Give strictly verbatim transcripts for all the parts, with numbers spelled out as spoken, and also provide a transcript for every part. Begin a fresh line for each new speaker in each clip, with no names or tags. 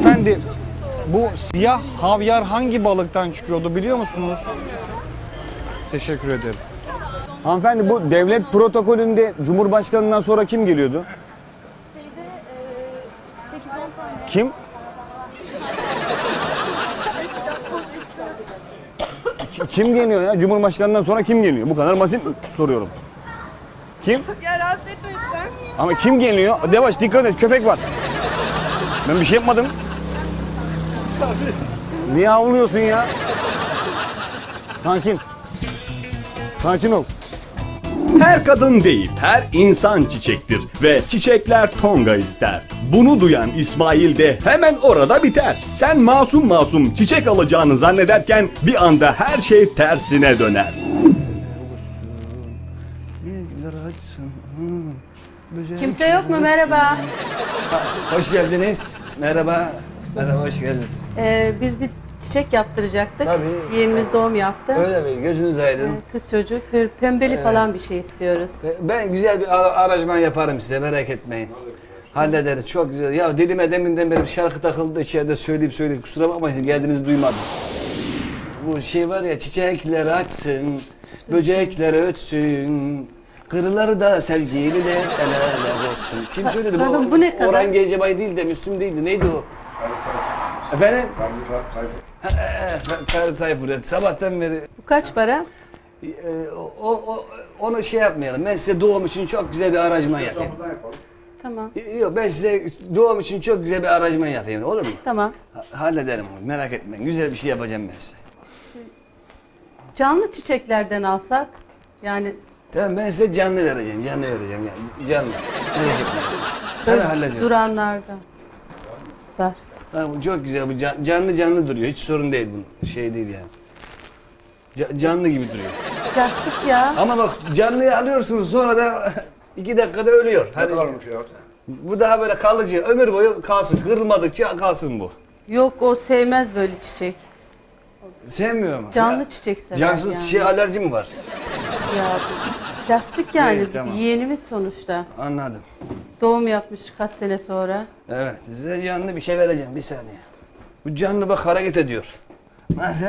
Hanımefendi, bu siyah havyar hangi balıktan çıkıyordu biliyor musunuz? Teşekkür ederim. Hanımefendi, bu devlet protokolünde Cumhurbaşkanından sonra kim geliyordu?
Şeyde sekiz on tane.
Kim? Ki- Kim geliyor ya? Cumhurbaşkanından sonra kim geliyor? Bu kadar basit soruyorum. Kim?
Ya rahatsız etme lütfen.
Ama kim geliyor? Devaş, dikkat et, köpek var. Ben bir şey yapmadım. Niye havlıyorsun ya? Sakin. Sakin ol.
Her kadın değil, her insan çiçektir ve çiçekler tonga ister. Bunu duyan İsmail de hemen orada biter. Sen masum masum çiçek alacağını zannederken bir anda her şey tersine döner.
Kimse yok mu? Merhaba.
Hoş geldiniz. Merhaba. Merhaba, hoş geldiniz.
Ee, biz bir çiçek yaptıracaktık.
Tabii.
Yeğenimiz doğum yaptı.
Öyle mi? Gözünüz aydın.
Ee, Kız çocuk, pır- pembeli falan bir şey istiyoruz.
Ben güzel bir ara- aranjman yaparım size, merak etmeyin. Hallederiz, çok güzel. Ya dilime deminden beri bir şarkı takıldı, içeride söyleyip söyleyip kusura bakmayın, geldiğinizi duymadım. Bu şey var ya, çiçekler açsın, böcekler ötsün, kırıları da sevgililer el ele olsun. Kim söyledi bu?
Pardon, bu ne kadar?
Orhan Gencebay değil de Müslüm değildi, neydi o? Efendim? Ferdi Tayfur. Evet. Sabahtan beri
Bu kaç para?
e, o, o, onu şey yapmayalım. Ben size doğum için çok güzel bir aranjman yapayım.
Tamam.
Yok, ben size doğum için çok güzel bir aranjman yapayım. Olur mu?
Tamam.
Ha- Hallederim onu. Merak etmeyin. Güzel bir şey yapacağım ben size.
Canlı çiçeklerden alsak, yani
Tamam, ben size canlı vereceğim. Canlı vereceğim. Yani canlı. Merak etmeyin.
böyle
Hemen hallediyorum.
duranlardan. Ver.
Ha, bu çok güzel. Bu can- canlı canlı duruyor. Hiç sorun değil bu. Şey değil yani. Ca- canlı gibi duruyor.
Plastik ya.
Ama bak, canlıyı alıyorsunuz, sonra da iki dakikada ölüyor.
Ne
Hani
kadar fiyat?
bu daha böyle kalıcı, ömür boyu kalsın, kırılmadıkça kalsın bu.
Yok, o sevmez böyle çiçek.
Sevmiyor mu?
Canlı
Ya,
çiçek sever
cansız
yani.
şey alerji mi var?
Ya, plastik yani.
Evet, tamam.
Yeğenimiz sonuçta.
Anladım.
Doğum yapmış kaç sene sonra.
Evet, size canlı bir şey vereceğim, bir saniye. Bu canlı bak hareket ediyor. Nasıl?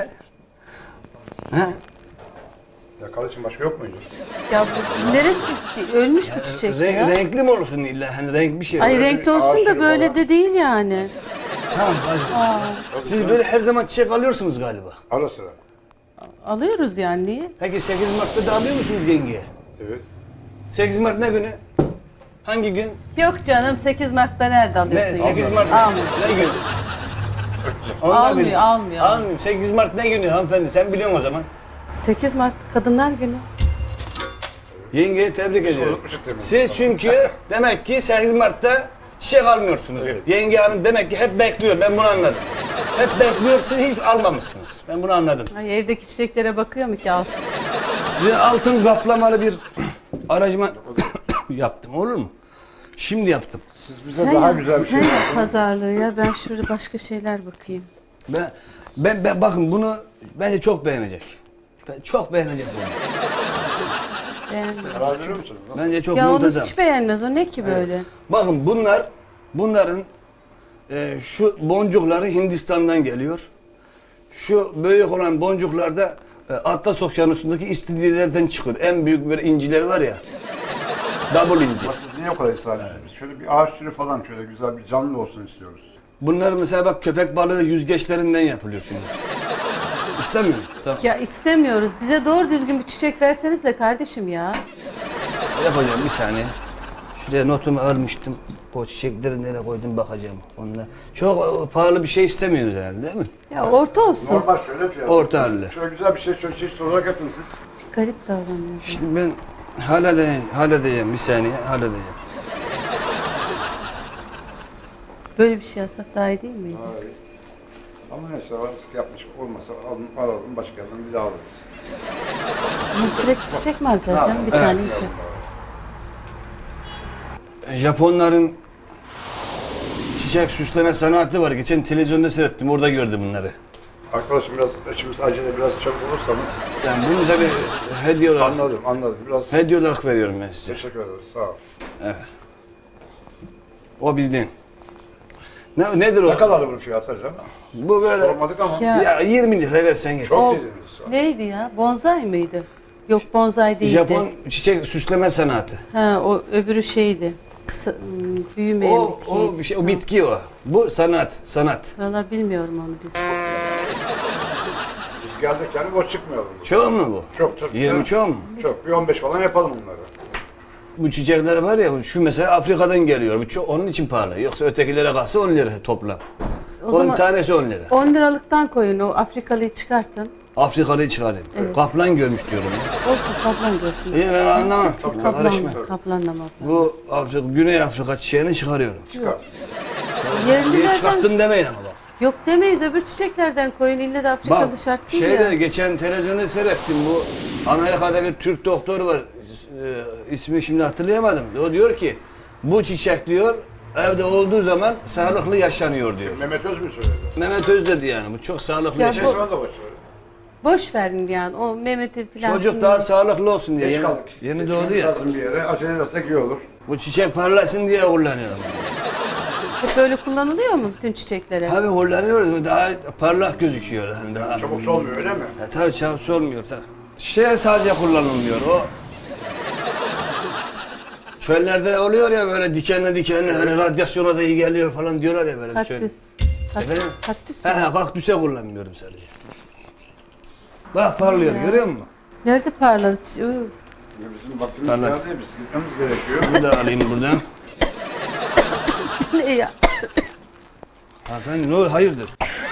Ha?
Yakal için başka yok muydu?
Ya bu neresi? Ölmüş bu çiçek
Renk,
ya.
renkli mi olursun illa? Hani renk bir şey.
Ay,
olur.
renkli olsun da böyle de değil yani.
Tamam, hadi. Siz böyle her zaman çiçek alıyorsunuz galiba.
Ara sıra.
Alıyoruz yani, niye?
Peki sekiz Mart'ta da alıyor musunuz yengeye?
Evet.
sekiz Mart ne günü? Hangi gün?
Yok canım, sekiz Mart'ta nerede
Ne?
alıyorsun?
sekiz
yani?
Mart
Almıyor.
ne gün? Onu da
Almıyor,
bilmiyorum.
almıyor.
Almıyor. sekiz Mart ne günü hanımefendi? Sen biliyorsun o zaman.
sekiz Mart Kadınlar Günü.
Yengeyi tebrik ediyorum.
unutmuşuz demek.
Siz çünkü demek ki sekiz Mart'ta çiçek almıyorsunuz.
Evet.
Yenge hanım demek ki hep bekliyor. Ben bunu anladım. Hep bekliyor, siz hiç almamışsınız. Ben bunu anladım.
Ay, evdeki çiçeklere bakıyor mu ki alsın?
Size altın kaplamalı bir aracıma yaptım, olur mu? Şimdi yaptım.
Siz bize daha
yap,
güzel bir şey
sen yap pazarlığı ya. Ben şurada başka şeyler bakayım.
Ben, ben, ben bakın bunu bence çok beğenecek. Ben çok beğenecek bunu.
Beğenmiyorum.
karar veriyor musunuz?
Bence çok
Ya onu
muntazam.
hiç beğenmez. O ne ki böyle?
Bakın bunlar, bunların e, şu boncukları Hindistan'dan geliyor. Şu büyük olan boncuklar da e, Atlas Okyanusu'ndaki istiridyelerden çıkıyor. En büyük böyle incileri var ya. Double inci.
Siz niye o kadar ısrar ediyorsunuz? Şöyle bir ağaç türü falan şöyle güzel bir canlı olsun istiyoruz.
Bunlar mesela bak, köpek balığı yüzgeçlerinden yapılıyor şimdi. İstemiyor musun? Tamam.
Ya istemiyoruz. Bize doğru düzgün bir çiçek verseniz de kardeşim ya.
Yapacağım, bir saniye. Şuraya notumu almıştım. O çiçekleri nereye koydum bakacağım. Onlar çok e, pahalı bir şey istemiyoruz herhalde, değil mi?
Ya orta olsun.
Normal şöyle fiyat.
Orta halde.
Şöyle güzel bir şey, şöyle çeşit olarak yapın siz.
Garip davranıyor.
Şimdi ben halledeyim, halledeceğim bir saniye, halledeceğim.
Böyle bir şey yapsak daha iyi değil miydi?
Hayır. Ama neyse artık yapmış olmasa alın, alalım başka yerden bir daha alırız.
Ama sürekli çiçek mi alacağız canım? Bir
Evet.
tane iki.
Japonların çiçek süsleme sanatı var. Geçen televizyonda seyrettim, orada gördüm bunları.
Arkadaşım biraz içimiz acele biraz çabuk olursanız.
Yani bunu da bir hediye olarak,
Anladım anladım. Biraz
hediye olarak veriyorum ben size.
teşekkür ederiz. Sağ ol.
O bizden. Ne, nedir o?
Ne kadardı bunun fiyatı acaba?
Bu böyle
Sormadık ama.
Ya,
ya yirmi lira versen yeter.
Çok
o
dediniz.
neydi ya? Bonsai mıydı? Yok bonsai değildi.
Japon çiçek süsleme sanatı.
Ha, o öbürü şeydi. Kısa, hmm, büyümeyen
O,
bitki.
o bir şey, o bitki o. Bu sanat, sanat.
Valla bilmiyorum onu biz.
Biz geldik yani boş çıkmıyoruz.
Çoğu mu bu?
Çok çok.
yirmi çoğu mu?
Çok. Bir on beş falan yapalım bunları.
Bu çiçekler var ya, şu mesela Afrika'dan geliyor. Bu çok, onun için pahalı. Yoksa ötekilere kalsa on lira toplam.
O
Onun
zaman
tanesi on lira.
on liralıktan koyun, o Afrikalıyı çıkartın.
Afrikalıyı çıkarayım.
Evet.
Kaplan görmüş diyorum. Ya.
Olsun kaplan görsün.
İyi, ben anlamam.
Kaplan
Karışma.
mı? Kaplanla mı?
Bu Afrika, Güney Afrika çiçeğini çıkarıyorum.
Çıkar.
Niye
Yerlilerden
çıkarttın demeyin ama bak.
yok demeyiz, öbür çiçeklerden koyun. İlle de Afrikalı
Bak,
şart değil
şeyde
ya.
geçen televizyonda seyrettim, bu Amerika'da bir Türk doktor var, e, ismi şimdi hatırlayamadım. O diyor ki, bu çiçek diyor, evde olduğu zaman sağlıklı yaşanıyor diyor.
Mehmet Öz mü söyledi?
Mehmet Öz dedi yani, bu çok sağlıklı
Ya
yaşanıyor.
bu-
Sonra da boş söyledi.
Boş verin yani, o Mehmet'i falan.
Çocuk
şimdi-
daha sağlıklı olsun diye.
Geç
Yeni,
kaldık.
yeni
Geçmemiz
doğdu ya.
lazım bir yere. Acele edersek iyi olur.
Bu çiçek parlasın diye kullanıyorum.
Hep böyle kullanılıyor mu bütün çiçeklere?
Tabii kullanıyoruz, daha parlak gözüküyor. Yani daha.
Çabuk solmuyor öyle mi?
Ya tabii çabuk solmuyor. Tabii. Şey sadece kullanılmıyor. O çöllerde oluyor ya böyle dikenli dikenli, hani radyasyona da iyi geliyor falan diyorlar ya böyle bir şey.
Kaktüs. Kat-
Efendim?
Kaktüs.
He he, kaktüse kullanmıyorum sadece. Bak parlıyor, görüyor musun?
Nerede parladı? Uu,
Bizim vaktimiz
Anlat.
geldi. Biz gitmemiz gerekiyor.
Bunu da alayım buradan.
ne ya?
Hanımefendi ne olur, hayırdır?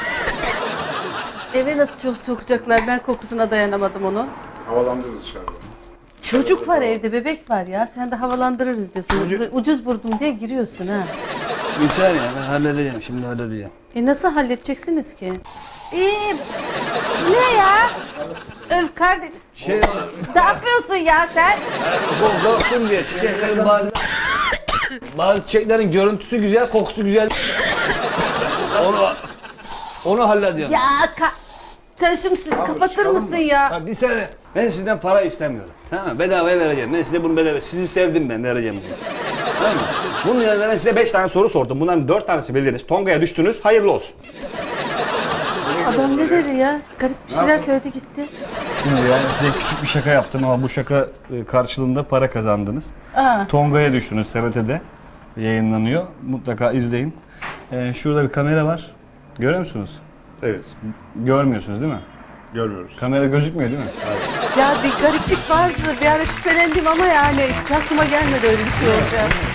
Eve nasıl çok sokacaklar? Ben kokusuna dayanamadım onun.
Havalandırırız dışarıda.
Çocuk var evde, bebek var ya. Sen de havalandırırız diyorsun.
Çocuk-
Ucuz buldum diye giriyorsun ha.
Bir saniye, ben halledeceğim, şimdi halledeceğim.
E nasıl halledeceksiniz ki? İyi. Ne ya? Öf kardeş.
Şey
Ne yapıyorsun ya sen?
koksun diye çiçeklerin bazı bazı çiçeklerin görüntüsü güzel, kokusu güzel. onu onu hallediyorum.
Ya ka sen şimdi siz kapatır
çıkalım
mısın
mı?
ya?
Ha, bir saniye. Ben sizden para istemiyorum. Tamam mı? Bedavaya vereceğim. Ben size bunu bedava. Sizi sevdim, ben vereceğim bunu. Tamam mı? Bunun yanında ben size beş tane soru sordum. Bunların dört tanesi bildiniz. Tonga'ya düştünüz. Hayırlı olsun.
Adam ne dedi ya? Garip bir şeyler söyledi gitti.
Şimdi yani size küçük bir şaka yaptım ama bu şaka e, karşılığında para kazandınız.
Aa.
Tonga'ya düştünüz, T R T'de yayınlanıyor. Mutlaka izleyin. Ee, şurada bir kamera var. Görüyor musunuz?
Evet.
Görmüyorsunuz değil mi?
Görmüyoruz.
Kamera gözükmüyor değil mi?
Ya bir gariplik vardı. Bir ara şüphelendim ama yani hiç aklıma gelmedi öyle bir şey olacak.